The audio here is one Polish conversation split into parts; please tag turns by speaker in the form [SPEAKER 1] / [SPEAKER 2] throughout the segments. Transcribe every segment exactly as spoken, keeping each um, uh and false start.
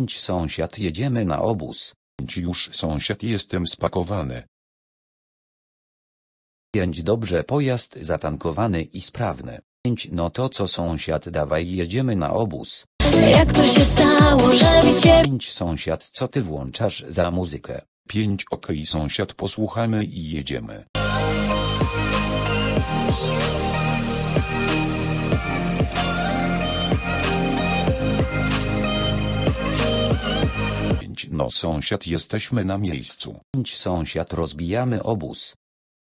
[SPEAKER 1] Pięć sąsiad, jedziemy na obóz.
[SPEAKER 2] Pięć już sąsiad, jestem spakowany.
[SPEAKER 1] Pięć dobrze, pojazd zatankowany i sprawny. Pięć no to co sąsiad, dawaj jedziemy na obóz.
[SPEAKER 3] Jak to się stało, że mi cię...
[SPEAKER 1] Pięć sąsiad, co ty włączasz za muzykę?
[SPEAKER 2] Pięć okej sąsiad, posłuchamy i jedziemy. Pięć no sąsiad, jesteśmy na miejscu.
[SPEAKER 1] Pięć sąsiad, rozbijamy obóz.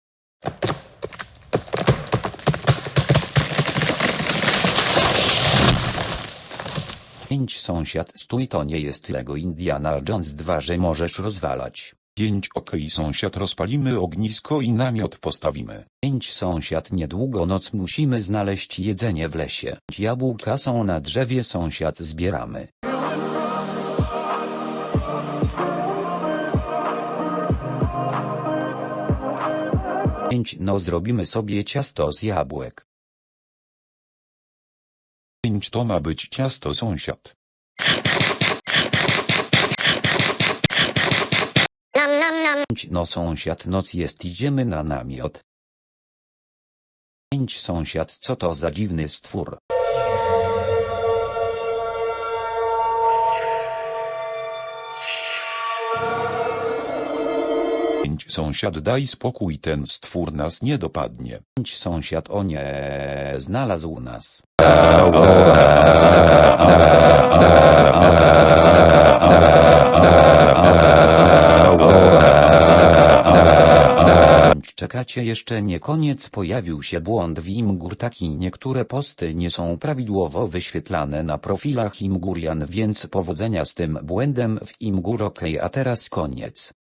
[SPEAKER 1] Pięć sąsiad, stój, to nie jest Lego Indiana Jones dwa, że możesz rozwalać.
[SPEAKER 2] Pięć okej sąsiad, rozpalimy ognisko i namiot postawimy.
[SPEAKER 1] Pięć sąsiad, niedługo noc, musimy znaleźć jedzenie w lesie. Jabłka są na drzewie, sąsiad, zbieramy. Pięć no zrobimy sobie ciasto z jabłek.
[SPEAKER 2] Pięć to ma być ciasto sąsiad.
[SPEAKER 1] Pięć no sąsiad, noc jest, idziemy na namiot. Pięć sąsiad, co to za dziwny stwór?
[SPEAKER 2] Pięć sąsiad, daj spokój, ten stwór nas nie dopadnie.
[SPEAKER 1] Pięć sąsiad, o nie, znalazł nas. Czekacie, jeszcze nie koniec, pojawił się błąd w Imgur taki, niektóre posty nie są prawidłowo wyświetlane na profilach Imgurian, więc powodzenia z tym błędem w Imgur. Ok, a teraz koniec.